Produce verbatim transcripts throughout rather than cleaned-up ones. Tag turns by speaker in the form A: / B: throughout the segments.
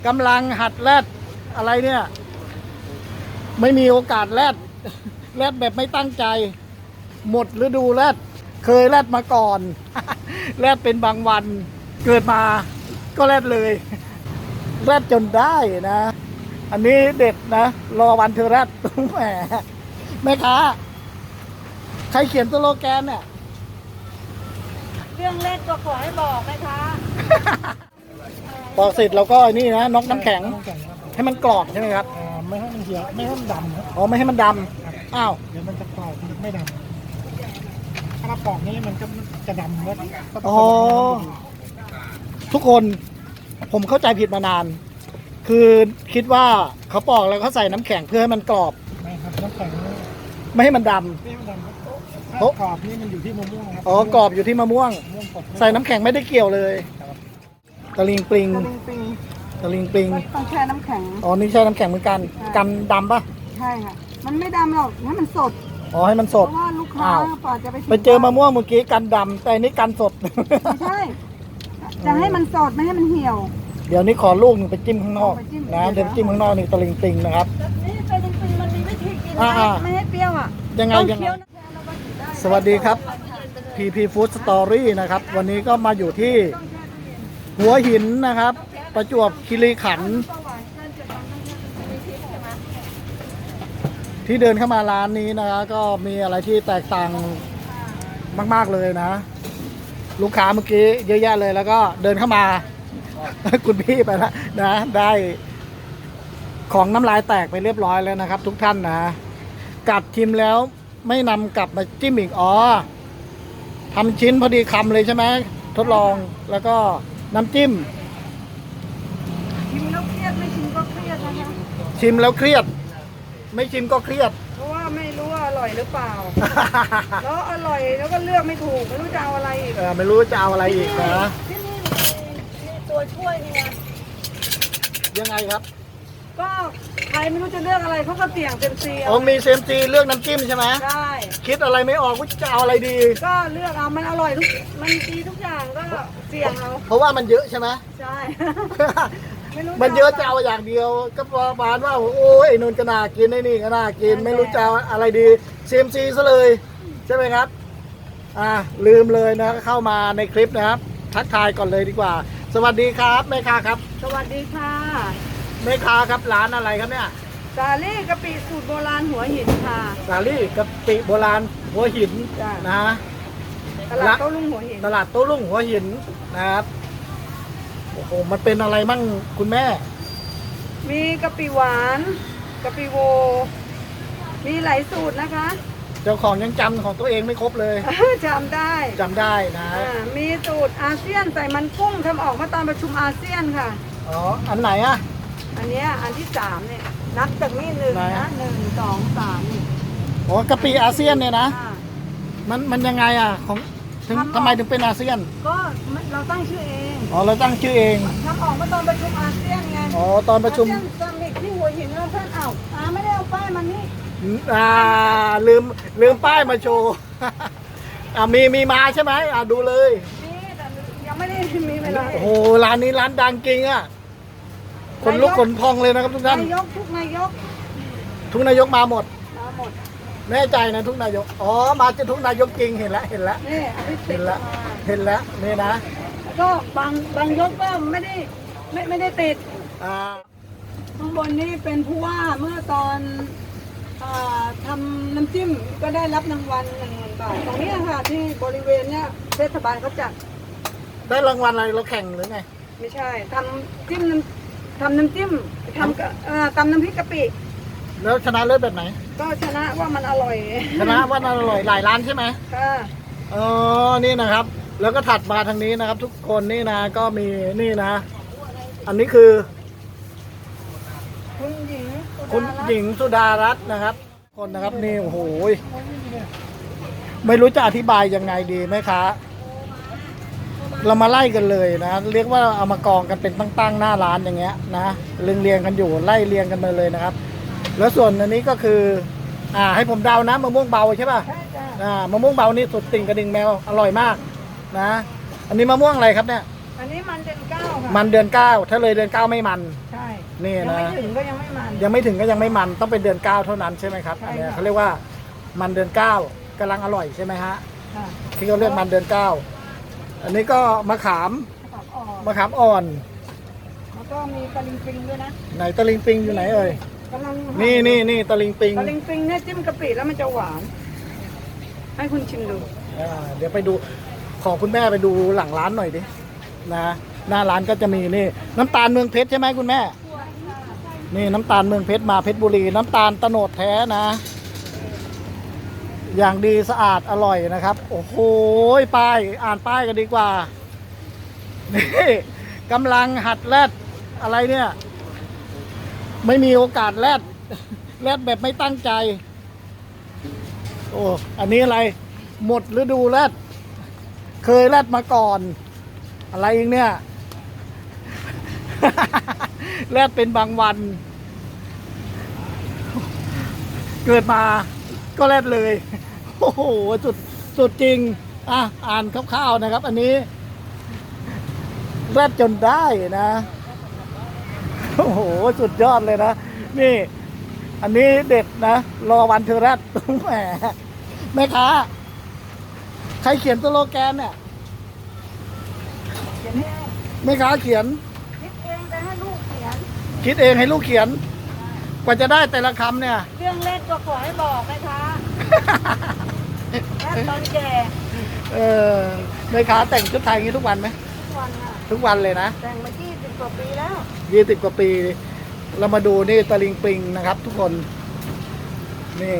A: กำลังหัดแรดอะไรเนี่ย ไม่มีโอกาสแรดแรดแบบไม่ตั้งใจ หมดฤดูแรดเคยแรดมาก่อนแรดเป็นบางวันเกิดมาก็แรดเลยแรดจนได้นะ อันนี้เด็ดนะ รอวันเธอแรดแหมแม่ค้าใครเขียนสโลแกนเนี่ย
B: เรื่องเล่นก็ขอให้บอกนะคะ
A: พอเสร็จเราก็นี่นะน็อกน้ำแข็งให้มันกรอบใช่ไหมครับ
C: ไม่ให้มันเหี่ยวไม่ให้มันดำครับ
A: อ๋อไม่ให้มันดำอ้าว
C: เดี๋ยวมันจะกรอบมันไม่ดำถ้าเราปอกนี้มันก็จะดำแล้วก็ต้
A: อ๋
C: อ
A: อง ทุกคนผมเข้าใจผิดมานาน คือคิดว่าเขาปอกแล้วเขาใส่น้ำแข็งเพื่อให้มันกรอบ
C: ไม่ครับน้ำแข็ง
A: ไม่ให้มันดำ
C: ไม่ให้มันดำครับถ้ากรอบนี่มันอยู่ที่มะม่วงครั
A: อ๋อกรอบอยู่ที่มะม่วง
C: มะม่วงสด
A: ใส่น้ำแข็งไม่ได้เกี่ยวเลยตะลิงปลิง
B: ตะลิงปิง
A: ตะลิงปลิง
B: ต้องแช่น้ำแข็ง
A: อ๋อนี่ใช่น้ำแข็งเหมือนกัน กันดำปะ
B: ใช่ค่ะ มันไม่ดำหรอกให้มันสด
A: อ๋อให้มันส
B: เพ
A: ด
B: ราะว่าลูกค้า
A: อ้าว
B: กว่าจะไปถึง
A: ไปเจอมะม่วงเมื่อกี้กันดำแต่อันนี้กันสด
B: ไม่ใช่ จะให้มันสดไม่ให้มันเหี่ยว
A: เดี๋ยวนี้ขอลูกหนึ่งไปจิ้มข้างนอก
B: ไปจิ้ม
A: นะเดี๋ยวจิ้มข้างนอกนี่ตะลิงปลิงนะครับ
B: นี่ตะลิงปิงมันมีวิธีกิน
A: อ่าๆ
B: ไม่ให้เปรี้ยวอ่ะ
A: ยังไง
B: ต้อง
A: ยังไง
B: เคี้ยวน้ำแข็งแล้วก็กินได้
A: สวัสดีครับ พี พี Food Story นะครับ วันนี้ก็มาอยู่ที่หัวหินนะครับ ประจวบคีรีขันธ์ที่เดินเข้ามาร้านนี้นะครับก็มีอะไรที่แตกต่างมาก ๆ เลยนะ ลูกค้าเมื่อกี้เยอะแยะเลยแล้วก็เดินเข้ามา คุณพี่ไปแล้วนะ ได้ของน้ำลายแตกไปเรียบร้อยแล้วนะครับ ทุกท่านนะกัดชิมแล้วไม่นำกลับมาจิ้มอีกอ๋อทำชิ้นพอดีคำเลยใช่ไหมทดลองแล้วก็น้ำจิ้ม
B: ชิมแล้วเครียดไม่ชิมก็เครียดนะคะ
A: ชิมแล้วเครียด ไม่ชิมก็เครียด
B: เพราะว่าไม่รู้ว่าอร่อยหรือเปล่า แล้วอร่อยแล้วก็เลือกไม่ถูกไม่รู้จะเอาอะไรอีก
A: เออไม่รู้จะเอาอะไรอีกนะ
B: ที่นี่มีมีตัวช่วยนี่ไง
A: ยังไงครับ
B: ก็ใครไม่รู้จะเลือกอะไรเขาก็เสี่ยงเต็มเซีย
A: อ๋อมีเซมซีเลือกน้ำจิ้มใช่ไหม
B: ได้
A: คิดอะไรไม่ออกว่าจะเอาอะไรดี
B: ก็เลือกเอามันอร่อยทุกมันดีทุกอย่างก็เสี่ยงเอา
A: เพราะว่ามันเยอะใช่ไหม
B: ใช่ไม่รู้
A: มันเยอะจะเอาอย่างเดียว ก็ประมาณว่าโอ้ยไอ้นนท์ก็น่ากินไอ้นี่ก็น่ากิน ไม่รู้จะเอาอะไรดีเซมซีซะเลย ใช่ไหมครับ อ่าลืมเลยนะเข้ามาในคลิปนะครับ ทักทายก่อนเลยดีกว่า สวัสดีครับแม่ค้าครับ
B: สวัสดีค่ะ
A: แม่ค้าครับร้านอะไรครับเนี่ย
B: สาลี่กะปิสูตรโบราณหัวหินค่ะ
A: สาลี่กะปิโบราณหัวหิน
B: จ้ะ
A: นะ
B: ตลาดโต้รุ่งหัวหิน
A: ตลาดโต้รุ่งหัวหินนะครับโอ้โหมันเป็นอะไรมั่งคุณแม่
B: มีกะปิหวานกะปิโว มีหลายสูตรนะคะ
A: เจ้าของยังจำของตัวเองไม่ครบเลย
B: จำได้
A: จำได้นะ
B: อ่ามีสูตรอาเซียนใส่มันกุ้งทำออกมาตอนประชุมอาเซียนค่ะ
A: อ๋ออันไหนอะ
B: อันเนี้ยอันที่สามเนี่ยนับจากนี่หนึ่ง
A: ไหน
B: นะหนึ่งสองสามนี่
A: อ๋อกะปิอาเซียนเนี่ยนะ
B: อ่า
A: มันมันยังไงอะของถึง
B: ทำออก
A: ทำไมถึงเป็นอาเซียน
B: ก็เราตั้งชื่อเอง
A: อ๋อเราตั้งชื่อเอง
B: ทำออกมาตอนประชุมอาเซียนไง
A: อ๋อตอนประชุม
B: อาเซียนซัมมิตที่หัวหินแล้วเพื่อนเอาอาไม่ได้เอาป้ายมันนี่
A: อ่าลืมลืมป้ายมาโชว์ อ่ามีมีมาใช่ไหมอ่าดูเลย
B: นี่แต่ยังไม่ได้มีเวลา
A: โอ้โหร้านนี้ร้านดังจริงอะคนลุกขนพองเลยนะครับทุกท่าน
B: นายกทุกนายก
A: ทุกนายกมาหมด
B: มาหมด
A: แน่ใจนะทุกนายก อ๋อ มาจะทุกนายกจริงเห็นแล้วเห็นแล้ว
B: นี่อันที่สิ
A: เห็
B: บ
A: นแล้ว
B: มา
A: เห็นแล้วนี่นะ
B: แล้วก็บางบางยกก็ไม่ได้ไม่ไม่ได้ติด
A: อ่า
B: ข้างบนนี่เป็นผู้ว่าเมื่อตอนอ่าทำน้ำจิ้มก็ได้รับรางวัลหนึ่งหมื่นบาทตรงเนี้ยค่ะที่บริเวณเนี้ยเทศบาลเขาจัด
A: ได้รางวัลอะไรเราแข่งหรือไง
B: ไม่ใช่ทำจิ้มน้ำทำน้ำจิ้มทำกะเอ่อตำน้ำพริกกะปิ
A: แล้วชนะเลิศแบบไหน
B: ก็ชนะว่ามันอร่อย
A: ชนะว่าอร่อยหลายร้านใช่ไหม
B: ค่ะ
A: อ๋อ นี่นะครับ แล้วก็ถัดมาทางนี้นะครับ ทุกคนนี่นะ ก็มีนี่นะ อันนี้คือ
B: คุณหญิงสุ
A: คุณ
B: ดารัตน์
A: หญิงสุดารัตน์นะครับ คนนะครับนี่โอ้โหไม่รู้จะอธิบายยังไงดีไหมคะเรามาไล่กันเลยนะ เรียกว่าเอามากองกันเป็นตั้งๆหน้าร้านอย่างเงี้ยนะเรียงเรียงๆกันอยู่ไล่เรียงกันมาเลยนะครับ แล้วส่วนอันนี้ก็คือ อ่า ให้ผมเดานะมะม่วงเบาใช่ป่ะ
B: ใช่จ้ะ
A: อ่ามะม่วงเบานี่สุดติ่งกระดิ่งแมวอร่อยมากนะ อันนี้มะม่วงอะไรครับเนี่ย
B: ออันนี้มันเดือนเก้าค่ะ
A: มันเดือนเก้าถ้าเลยเดือนเก้าไม่มัน
B: ใช่
A: นี่
B: ยัง
A: นะ
B: ไม่ถึงก็ยังไม่มัน
A: ยังไม่ถึงก็ยังไม่มันต้องเป็นเดือนเก้าเท่านั้นใช่ไหมครับ
B: ใช่
A: อันเนี้ย
B: ค่ะ
A: เขาเรียกว่ามันเดือนเก้ากำลังอร่อยใช่ไหมฮะ
B: ค่ะ
A: ที่เขาเรียกมันเดือนเก้าอันนี้ก็มะขาม
B: ผักอ่อน
A: มะขามอ่อน
B: แล้วก็มีตะลิงปิงด้วยนะ
A: ไหนตะลิงปิงอยู่ไหนเอ่ย
B: กำลัง
A: นี่นี่นี่ตะลิงปิง
B: ตะลิงปิงเนี่ยจิ้มกะปิแล้วมันจะหวาน ให้คุณชิมดู
A: อ่าเดี๋ยวไปดูขอคุณแม่ไปดูหลังร้านหน่อยดินะหน้าร้านก็จะมีนี่น้ำตาลเมืองเพชรใช่ไหมคุณแม่ นี่น้ำตาลเมืองเพชรมาเพชรบุรี น้ำตาลโตโนดแท้นะ อย่างดีสะอาดอร่อยนะครับ โอ้โหป้ายอ่านป้ายกันดีกว่านี่กำลังหัดแรดอะไรเนี่ย ไม่มีโอกาสแรดแรดแบบไม่ตั้งใจ โอ้อันนี้อะไร หมดฤดูแรดเคยแรดมาก่อน อะไรอีกเนี่ย แรดเป็นบางวัน เกิดมาก็แรดเลย โอ้โหสุดสุดจริง อ่ะ อ่านคร่าวๆนะครับ อันนี้แรดจนได้นะ โอ้โห สุดยอดเลยนะ นี่ อันนี้เด็ดนะ รอวันเธอแรดแหมแม่ค้า ใครเขียนสโลแกนเนี่ย
B: เขียนให้
A: แม่ค้าเขียน
B: คิดเองแต่ให้ลูกเขียน
A: คิดเองให้ลูกเขียน กว่าจะได้แต่ละคำเนี่ย
B: เรื่องเล่นก็ขอให้บอกนะคะแค่ตอนแก่
A: เออแม่ค้าแต่งชุดไทยอย่างนี้ทุกวันไหม
B: ทุกวันค่ะ
A: ทุกวันเลยนะ
B: แต่งมายี่สิบกว่าปีแล้ว
A: ยี่สิบกว่าปี เรามาดูนี่ตะลิงปิงนะครับ ทุกคน นี่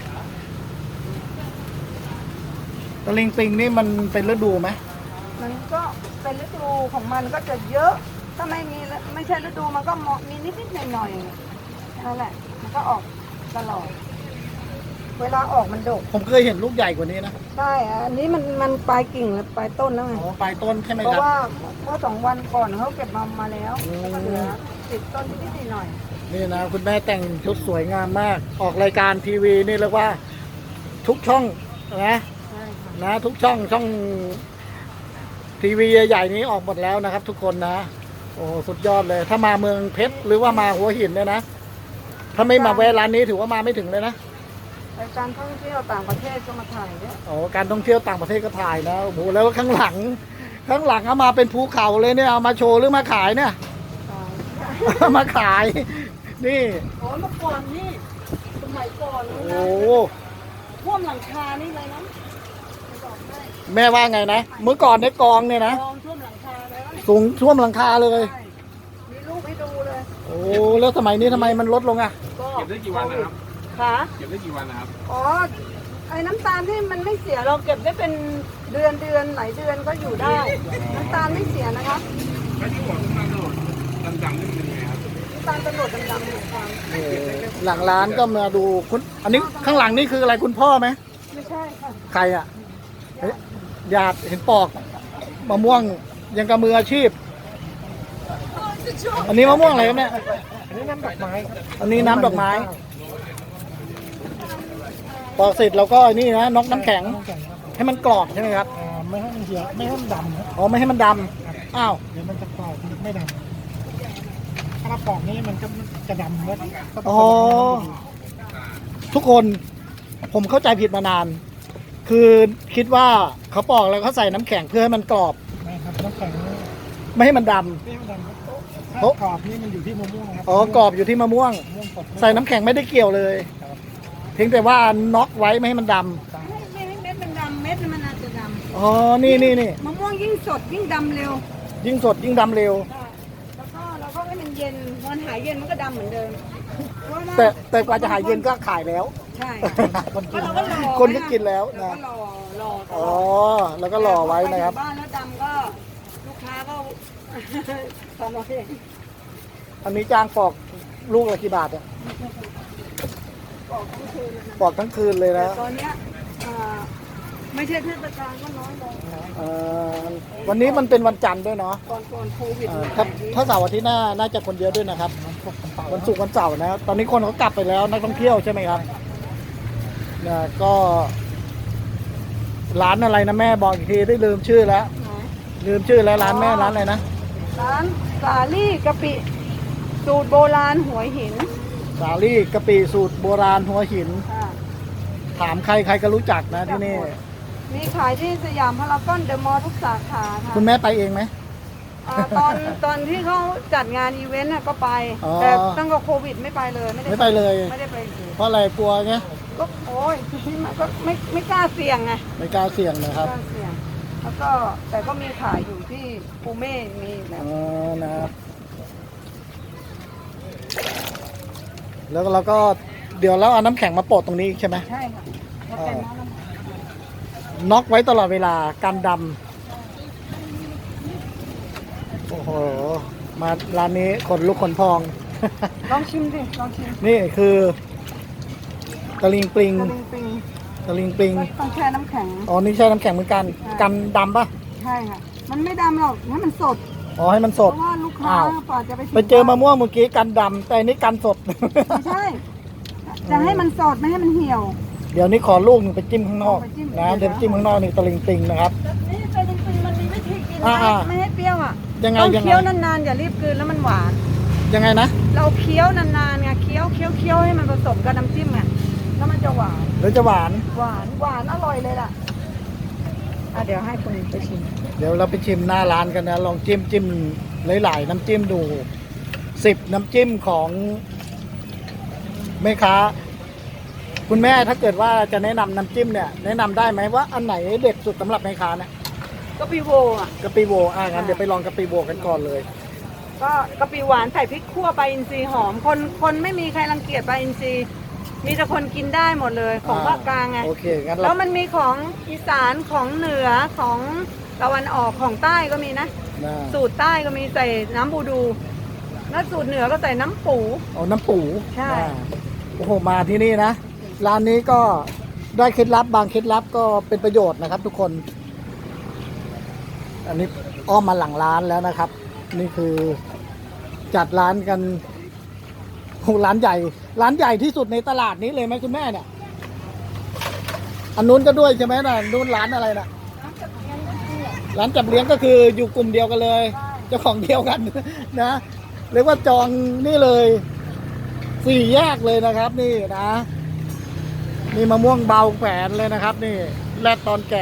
A: ตะลิงปิงนี่มันเป็นฤดูไหม
B: มันก็เป็นฤดูของมันก็จะเยอะ ถ้าไม่มีไม่ใช่ฤดูมันก็มีนิดๆหน่อยๆนั่นแหละ มันก็ออกตลอด เวลาออกมันดก
A: ผมเคยเห็นลูกใหญ่กว่านี้นะ
B: ใช่อันนี้มันมันปลายกิ่งและปลายต้นแล้วไง
A: อ๋อปลายต้นใช่ไหม
B: เพ
A: ครับ
B: ราะว่าเมื่อสองวันก่อนเขาเก็บมามาแล้ว
A: อืม
B: ก็เหลือติดต้นนิดๆหน่อย
A: นี่นะคุณแม่แต่งชุดสวยงามมาก ออกรายการทีวีนี่เรียกว่า ทุกช่องนะ
B: ๆใช่ค่ะ
A: นะทุกช่องช่องทีวีใหญ่ๆนี้ออกหมดแล้วนะครับ ทุกคนนะ โอ้สุดยอดเลย ถ้ามาเมืองเพชรหรือว่ามาหัวหินเนี่ยนะถ้าไม่มาแวะร้านนี้ถือว่ามาไม่ถึงเลยนะ
B: รายการท่องเที่ยวต่างประเทศก็มาถ่ายเนี่ย
A: โอ้การท่องเที่ยวต่างประเทศก็ถ่ายนะโอ้โหแล้วข้างหลัง ข้างหลังเอามาเป็นภูเขาเลยเนี่ยเอามาโชว์หรือมาขายเนี่ย เอามาขาย นี่
B: โอ้เมื่อก่อนนี่สมัยก่อน
A: โอ้
B: นะ
A: โห
B: ท่วมหลังคานี่เลยนะบอกได้
A: แม่ว่าไงนะเมื่อก่อนในกองเนี่ยนะ
B: กองท่วมหลังคาแล้ว
A: สูงท่วมหลังคาเลย
B: ใช่มีรูปให้ดูเลย
A: โอ้แล้วสมัยนี้ทำไมมันลดลงอ่ะ
B: ก็
D: เก็บได้กี่วันนะครับ
B: ค่ะ
D: เก็บได้กี่วันนะครับ
B: อ๋อไอ้น้ำตาลที่มันไม่เสียเราเก็บได้เป็นเดือนเดือนหลายเดือนก็อยู่ได้ น้ำตาลไม่เสียนะครับ
D: แล้วที่บอกว่ามันโดดดำๆนี่เป็นยังไงครับ
B: น้ำตาลตำรวจดำๆเหมือนกัน
A: เออหลังร้านก็มาดูคุณอันนี้ข้างหลังนี่คืออะไรคุณพ่อไหม
B: ไม่ใช่ค่ะ
A: ใครอ่ะเฮ้ยญาติเห็นปอกมะม่วงยังกับมืออาชีพ อันนี้มะม่วงอะไรครับเนี่ย
C: อันนี้น้ำดอกไม้ครับ
A: อันนี้น้ำดอกไม้ ปอกเสร็จเราก็นี่นะน็อกน้ำแข็ง
C: น้ำแข็งครับ
A: ให้มันกรอบใช่ไหมครับ
C: อ่าไม่ให้มันเหี่ยวไม่ให้มันดำครับ
A: อ๋อไม่ให้มันดำอ้าว
C: เดี๋ยวมันจะกรอบมันไม่ดำถ้าเราปอกนี้มันก็จะดำแล้วก็ต้
A: อ๋
C: อ
A: อ
C: ง
A: ทุกคนผมเข้าใจผิดมานาน คือคิดว่าเขาปอกแล้วเขาใส่น้ำแข็งเพื่อให้มันกรอบ
C: ไม่ครับน้ำแข็งไม่
A: ไม่ให้มันดำ
C: ให้มันดำครับ
A: โอ้
C: ถ้ากรอบนี่มันอยู่ที่มะม่วงครับ
A: อ๋อกรอบอยู่ที่มะม่วง
C: มะม่วงสด
A: ใส่น้ำแข็งไม่ได้เกี่ยวเลย
C: ครับ
A: เพียงแต่ว่าน็อกไว้ไม่ให้มันดำ
B: ไม่ไม่ให้เม็ดมันดำเม็ดมันอาจจะด
A: อ๋อ นี่นี่นี่
B: ำมะม่วงยิ่งสดยิ่งดำเร็ว
A: ยิ่งสดยิ่งดำเร็ว
B: แล้วก็เราก็ให้มันเย็นมันหายเย็นมันก็ดำเหมือนเดิมเพราะว่า
A: แต่แต่กว่าจะหายเย็นก็ขายแล้ว
B: ใช่
A: คนกิน
B: เราก็รอ
A: คนก็กินแล้ว
B: เรา
A: นะ
B: ก็รอรอต
A: อ๋
B: ล
A: อ
B: อด
A: แล้วก็รอไว้นะครับ
B: บ้านแล้วดำก็ลูกค้าก็ ทำเอาเอง
A: อันนี้จ้างปอกลูกละกี่บาทอะ
B: บอกทั้งคืนเลยนะ
A: ปอกทั้งคืนเลย
B: แต่
A: นะ
B: ตอนเนี้ยอ่าไม่ใช่เทศกาลก็น้อยลง
A: เอ่อวันนี้มันเป็นวันจันทร์ด้วยเนาะ
B: ก่อนก่อนโควิด
A: เอ่อ
B: มัน
A: ถ้า
B: ขายดี
A: ถ้าเสาร์อาทิตย์หน้าน่าจะคนเยอะด้วยนะครับ วันศุกร์วันเสาร์นะตอนนี้คนเขากลับไปแล้วนักท่องเที่ยวใช่ไหมครับเนี่ยก็ร้านอะไรนะแม่บอกอีกทีได้ลืมชื่อแล้ว
B: นะ
A: ลืมชื่อแล้วร้านแม่ร้านอะไรนะ
B: ร้านสาลี่กะปิสูตรโบราณหัวหิน
A: สาลี่กะปิสูตรโบราณหัวหิน
B: ค่ะ
A: ถามใครใครก็รู้จักนะที่นี่
B: มีขายที่สยามพารากอนเดอะมอลล์ทุกสาขาค่ะ
A: คุณแม่ไปเองไหม
B: อ่าตอนตอนที่เขาจัดงานอีเวนต์น่ะก็ไป
A: อ๋อ
B: แต่ตั้งแต่โควิดไม่ไปเลยไม่ได้
A: ไม่ไปเลย
B: ไม่ได้ไปเลย
A: เพราะอะไรกลัวไง
B: ก็โอ้ยมันก็ไม่ไม่กล้าเสี่ยงไง
A: ไม่กล้าเสี่ยงนะค
B: ไม่
A: รับ
B: กล้าเสี่ยงแล้วก็แต่ก็มีขายอยู่ที่ปูเม่มีแบ
A: อ๋
B: บ
A: อนะครับแล้วเราก็เดี๋ยวเราเอาน้ำแข็งมาโปะตรงนี้อีกใช่ไหม
B: ใช่ค่ะแล้วเป็นน้ำน้ำ
A: น็อกไว้ตลอดเวลากันดำโอ้โหมาร้านนี้ขนลุกขนพอง
B: ลองชิมสิลองชิม
A: นี่คือตะลิงปลิง
B: ตะลิงปิง
A: ตะลิงปลิง
B: ต้องแช่น้ำแข็ง
A: อ๋อนี่ใช่น้ำแข็งเหมือนกัน
B: ใช่
A: กันดำปะ
B: ใช่ค่ะมันไม่ดำหรอกให้มันสด
A: อ๋อให้มันส
B: เพ
A: ด
B: ราะว่าลูกค้า
A: อ้าว
B: กว่าจะไปถึง
A: ไปเจอมะม่วงเมื่อกี้กันดำแต่อันนี้กันสด
B: ไม่ใช่ จะให้มันสดไม่ให้มันเหี่ยว
A: เดี๋ยวนี้ขอลูกหนึ่งไปจิ้มข้างนอก
B: ไปจิ้ม
A: นะเดี๋ยวไปจิ้มข้างนอกนี่ตะลิงปลิงนะครับ
B: นี่ตะลิงปิงมันมีวิธีกิน
A: อ่า
B: นะ
A: อ่า
B: ไม่ให้เปรี้ยวอ่ะ
A: ยังไง
B: ต้อง
A: ยังไง
B: เคี้ยวนานๆอย่ารีบกลืนแล้วมันหวาน
A: ยังไงนะ
B: เราเคี้ยวนานๆไงเคี้ยวเคี้ยวเคี้ยวให้มันผสมกับน้ำจิ้มไงแล้วมันจะหวาน
A: เดี๋ยวจะหวาน
B: หวานหวานอร่อยเลยล่ะอ่ะเดี๋ยวให้คุณไปชิม
A: เดี๋ยวเราไปชิมหน้าร้านกันนะ ลองจิ้มจิ้มหลายๆน้ำจิ้มดูสิบน้ำจิ้มของแม่ค้า คุณแม่ถ้าเกิดว่าจะแนะนำน้ำจิ้มเนี่ย แนะนำได้ไหมว่าอันไหนเด็ดสุดสำหรับแม่ค้าเนี่ย
B: กะปิโวอ่ะ
A: กะปิโวอ่ะงั้นเดี๋ยวไปลองกะปิโวกันก่อนเลย
B: ก็กะปิหวานใส่พริกขั่วปลาอินทรีหอม คนคนไม่มีใครรังเกียจปลาอินทรีมีแต่คนกินได้หมดเลยของภาคกลางไง
A: โอเคงั้น
B: แล้
A: เรา
B: วมันมีของอีสานของเหนือของตะวันออกของใต้ก็มีนะ
A: น่า
B: สูตรใต้ก็มีใส่น้ำบูดูแล้วสูตรเหนือก็ใส่น้ำปู
A: เอาน้ำปู
B: ใช่
A: อ่าโอ้โหมาที่นี่นะร้านนี้ก็ได้เคล็ดลับบางเคล็ดลับก็เป็นประโยชน์นะครับ ทุกคน อันนี้อ้อมมาหลังร้านแล้วนะครับ นี่คือจัดร้านกันโอ้ร้านใหญ่ ร้านใหญ่ที่สุดในตลาดนี้เลยไหมคุณแม่เนี่ยอันนู้นก็ด้วยใช่ไหมนะนู้นร้านอะไรนะร้านจับเลี้ยงก็คืออยู่กลุ่มเดียวกันเลยเจ้าของเดียวกัน นะเรียกว่าจองนี่เลยสี่แยกเลยนะครับ นี่นะนี่มะม่วงเบาแฝนเลยนะครับ นี่แลดตอนแก่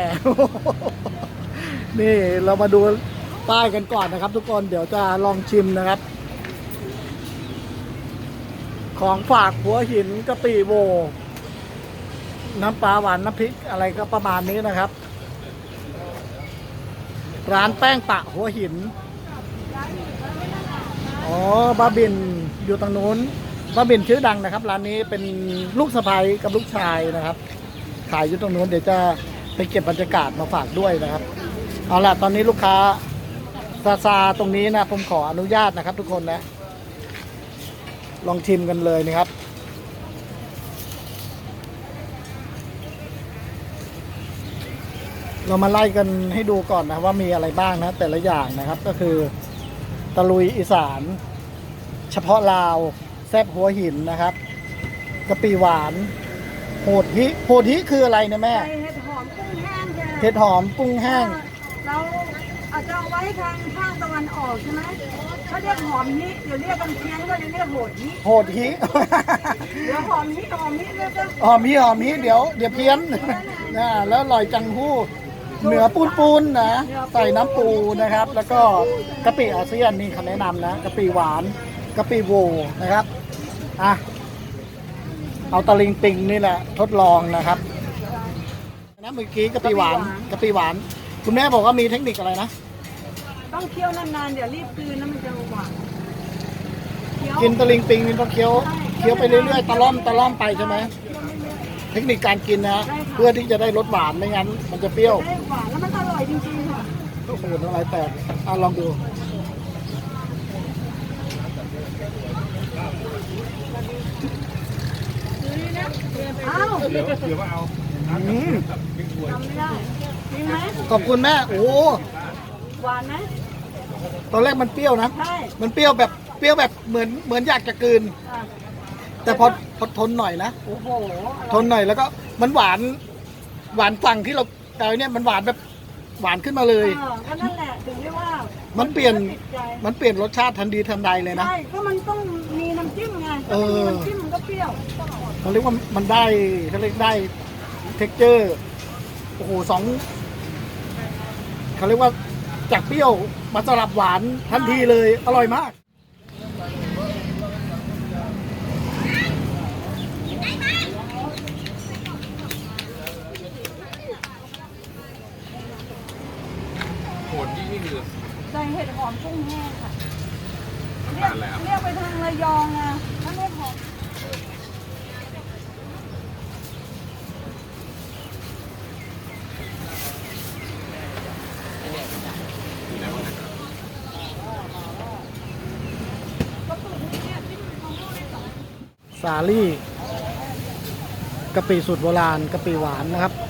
A: นี่เรามาดูป้ายกันก่อนนะครับ ทุกคนเดี๋ยวจะลองชิมนะครับ ของฝากหัวหินกะปิโว น้ำปลาหวานน้ำพริกอะไรก็ประมาณนี้นะครับ ร้านแป้งปะหัวหิน อ๋อบาบินอยู่ตรงนู้นบาบินชื่อดังนะครับ ร้านนี้เป็นลูกสะใภ้กับลูกชายนะครับ ขายอยู่ตรงนู้นเดี๋ยวจะไปเก็บบรรยากาศมาฝากด้วยนะครับ เอาล่ะตอนนี้ลูกค้าซาซาตรงนี้นะผมขออนุญาตนะครับ ทุกคนนะ ลองชิมกันเลยนะครับ เรามาไล่กันให้ดูก่อนนะว่ามีอะไรบ้างนะ แต่ละอย่างนะครับ ก็คือตะลุยอีสาน เฉพาะลาวแซ่บหัวหินนะครับกะปิหวานโหดฮิโหดฮิคืออะไรนะแม่
B: ใส่เห็ดหอมกุ้งแห้งจ้ะ
A: เห็ดหอมกุ้งแห้ง
B: เราอาจจะเอาไว้ทางภาคตะวันออกใช่ไหมเขาเรียกหอมฮิเดี๋ยวเรียกกันเพี้ยนก็เลยเรียกโหดฮิ
A: โหดฮิ
B: เดี๋ยวหอมฮิหอมฮิแล้วก็
A: หอมฮิหอมฮิเดี๋ยวเดี๋ยวเพี้ยน นะแล้วอร่อยจังหู้เหนือปูนปูนนะใส่น้ำปูนะครับ แล้วก็กะปิอาเซียนนี่คำแนะนำนะกะปิหวานกะปิโวนะครับอ่ะเอาตะลิงปิงนี่แหละทดลองนะครับนะเมื่อกี้กะปิหวานกะปิหวาน คุณแม่บอกว่ามีเทคนิคอะไรนะ
B: ต้องเคี่ยวนานๆเดี๋ยวรีบกลืนแล้วมันจะหวานเคี้ยว
A: กินตะลิงปิงนี่ต้องเคี้ยวเคี้ยวไปเรื่อยๆตะล่อมตะล่อมไปใช่ไหมเทคนิคการกินนะเพื่อที่จะได้รสหวานไม่งั้นมันจะเปรี้ยว
B: ได้หวานแล้วมันอร่อยจริงๆค่ะ
A: โอ้โหน้ำลายแตกอ่ะลองดู
B: อ้าว
D: เดี๋ยวเดี๋ยวว่าเอา
A: อืม
B: ทำไม่ได้จริงไหม
A: ขอบคุณแม่ โอ้โห
B: หวานไหม
A: ตอนแรกมันเปรี้ยวนะ
B: ใช่
A: มันเปรี้ยวแบบเปรี้ยวแบบเหมือนเหมือนอยากจะกลืน
B: อ่ะ
A: แต่พอพอทนหน่อยนะ
B: โอ้โหอ
A: ท
B: ร่อย
A: นหน่อยแล้วก็มันหวาน หวานฝั่งที่เราแต่อันเนี่ยมันหวานแบบหวานขึ้นมาเลย
B: เออก็นั่นแหละถึงเรียกว่า
A: มั
B: มัน
A: เปลี่ยน
B: ติดใจ
A: มันเปลี่ยนรสชาติทันทีทันใดเลยนะ
B: ใช่ก็มันต้องมีน้ำจิ้มไง
A: เออ
B: ถ้าไม่มีน้ำจิ้มมันก็เปรี้ยว
A: เขาเรียกว่ามันได้เขาเรียกได้เท็กเจอร์โอ้โหสองเขาเรียกว่าจากเปรี้ยวมาสลับหวานทันทีเลยอร่อยมาก
D: โหดยิ่งนี่คือ
B: ใส่เห็ดหอมกุ้งแห้งค่ะ
D: อา
B: เรีย
D: หาก รแล้ว
B: เรียกไปทางระยองนะถ้าเห็ดหอม
A: สาลี่กะปิสูตรโบราณกะปิหวานนะครับ